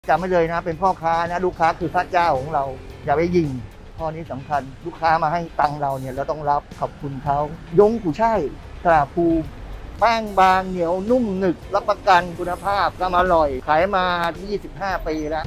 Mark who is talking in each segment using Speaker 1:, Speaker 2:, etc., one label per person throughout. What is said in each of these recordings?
Speaker 1: จำไม่เลยนะเป็นพ่อค้านะลูกค้าคือพระเจ้าของเราอย่าไปยิงข้อนี้สำคัญลูกค้ามาให้ตังค์เราเนี่ยเราต้องรับขอบคุณเขายงกุยช่ายตราภูแป้งบางเหนียวนุ่มหนึบรับประกันคุณภาพก็อร่อยขายมา25 ปีแล้ว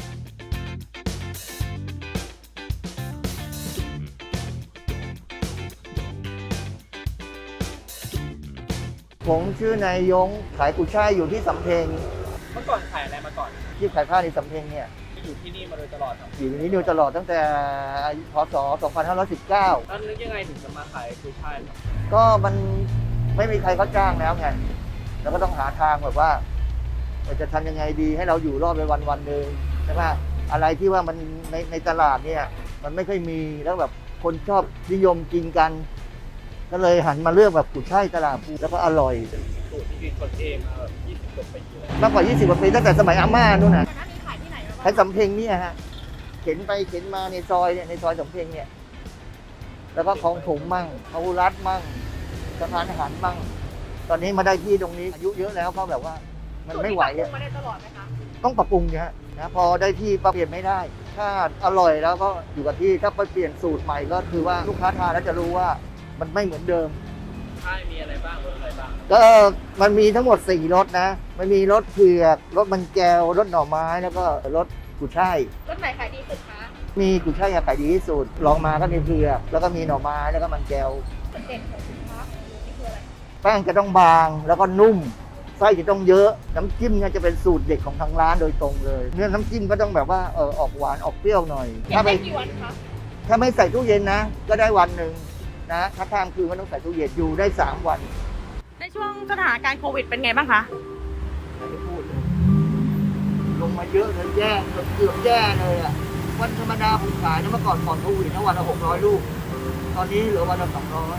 Speaker 1: ผมชื่อนายยงขายกุยช่ายอยู่ที่สำเพ็ง
Speaker 2: เมื่อก่อนขายอะไรมาก่อน
Speaker 1: ที่ขายผ้าในสำเพ็งเนี่ย
Speaker 2: อยู่ที่นี่มาโดยตลอดครับ
Speaker 1: อยู่ที่นี่ตลอดตั้งแต่พศ2519
Speaker 2: แล้วนึกยังไงถึงจะมาขายกุยช่ายครับ
Speaker 1: ก็มันไม่มีใครเขาจ้างแล้วไงแล้วก็ต้องหาทางแบบว่าจะทำยังไงดีให้เราอยู่รอดไปวันหนึ่งใช่ไหมอะไรที่ว่ามันในตลาดเนี่ยมันไม่ค่อยมีแล้วแบบคนชอบนิยมกินกันก็เลยหันมาเลือกแบบกุยช่ายตลาดภูแล้วก็อร่อย
Speaker 2: สูตรที่คิดคนเองมาแบบ20 กว่าปีเลย
Speaker 1: มากกว่า20 กว่าปีตั้งแต่สมัยอาม่านู่นน่ะขายสำเพ็งเนี่ยฮะเข็นไปเข็นมาในซอยเนี่ยในซอยสำเพ็งเนี่ยแล้วก็ของถมมั่งเขารัดมั่งสะพานหันมั่งตอนนี้มาได้ที่ตรงนี้อายุเยอะแล้วเขาแบบว่ามันไม่ไหวอ่ะ
Speaker 3: มาได้ตลอดไหมคะ
Speaker 1: ต้องปรับปรุงเนี่ยนะพอได้ที่ปรับเปลี่ยนไม่ได้ถ้าอร่อยแล้วก็อยู่กับที่ถ้าไปเปลี่ยนสูตรใหม่ก็คือว่าลูกค้าทานแล้วจะรู้ว่ามันไม่เหมือนเดิม
Speaker 2: ใช่มีอะไรบ้างรสอะไรบ้าง
Speaker 1: ก็มันมีทั้งหมด4 รสนะมันมีรสเผือกรสมันแก้วรสหน่อไม้แล้วก็รสกุยช่าย
Speaker 3: รสไหนขายดีสุดคะ
Speaker 1: มีกุยช่ายขายดีที่สุดลองมาก็มีเผือกแล้วก็มีหน่อไม้แล้วก็มันแก้ว
Speaker 3: จุดเด่นของสินค้านี่คืออะไร
Speaker 1: แป้งจะต้องบางแล้วก็นุ่มไส้จะต้องเยอะน้ำจิ้มเนี่ยจะเป็นสูตรเด็ดของทางร้านโดยตรงเลยเนื้อน้ำจิ้มก็ต้องแบบว่าออกหวานออกเปรี้ยวหน่อย
Speaker 3: ถ้าไปกี่วันคะ
Speaker 1: ถ้าไม่ใส่ตู้เย็นนะก็ได้วันหนึ่งนะถ้าข้ามคืนก็ต้องใส่ตู้เย็นอยู่ได้3 วัน
Speaker 3: ในช่วงสถานการณ์โควิดเป็นไงบ้างคะ
Speaker 1: ไม่ได้พูดเลยลงมาเยอะเลยแย่เกือบแย่เลยอ่ะวันธรรมดาผมขายนะเมื่อก่อนโควิดนะวันละ600 ลูกตอนนี้เหลือวันละ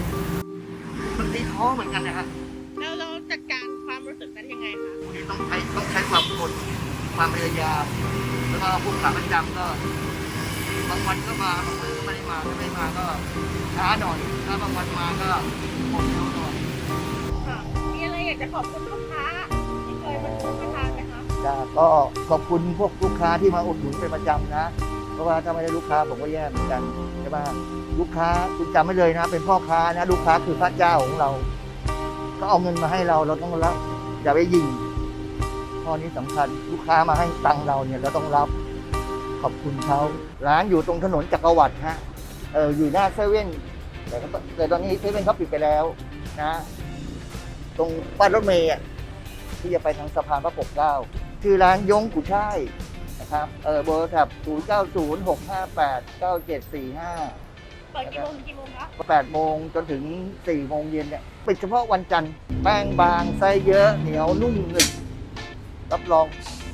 Speaker 1: 200มันตีท้อเหมือนกันนะฮะ
Speaker 3: แล้วเราจัดการความรู้สึกนั้นยังไงคะ
Speaker 1: ต้องใช้ความอดความพยายามแล้วก็พวกขาประจำก็บางวันก็มาบางวันก็ไม่ได้มาถ้าไม่มาก็ช้าหน่อยถ้าบางวันมาก็หมดเร็วหน่อย
Speaker 3: ค่ะมีอะไรอยากจะขอบคุณลูกค้าที่เคยมาซื้อมาทานไหมคะ
Speaker 1: ก็ขอบคุณพวกลูกค้าที่มาอุดหนุนเป็นประจำนะเพราะว่าถ้าไม่ได้ลูกค้าผมก็แย่เหมือนกันใช่ไหมลูกค้าคุณจำไม่เลยนะเป็นพ่อค้านะลูกค้าคือพระเจ้าของเราก็เอาเงินมาให้เราต้องรับอย่าไปยิงข้อนี้สำคัญลูกค้ามาให้ตังค์เราเนี่ยเราต้องรับขอบคุณเขาร้านอยู่ตรงถนนจักรวรรดิฮะอยู่หน้าเซเว่นแต่ตอนนี้เซเว่นเขาปิดไปแล้วนะตรงป้ายรถเมย์ที่จะไปทางสะพานพระปกเกล้าชื่อร้านยงกุยช่ายนะครับเบอร์โทรศัพท์0906589745
Speaker 3: เปิดกี่โมงถึงกี่โมงคะ
Speaker 1: 8 โมงจนถึง4 โมงเย็นเนี่ยปิดเฉพาะวันจันทร์แป้งบางไส้เยอะเหนียวนุ่มหนึบรับรอง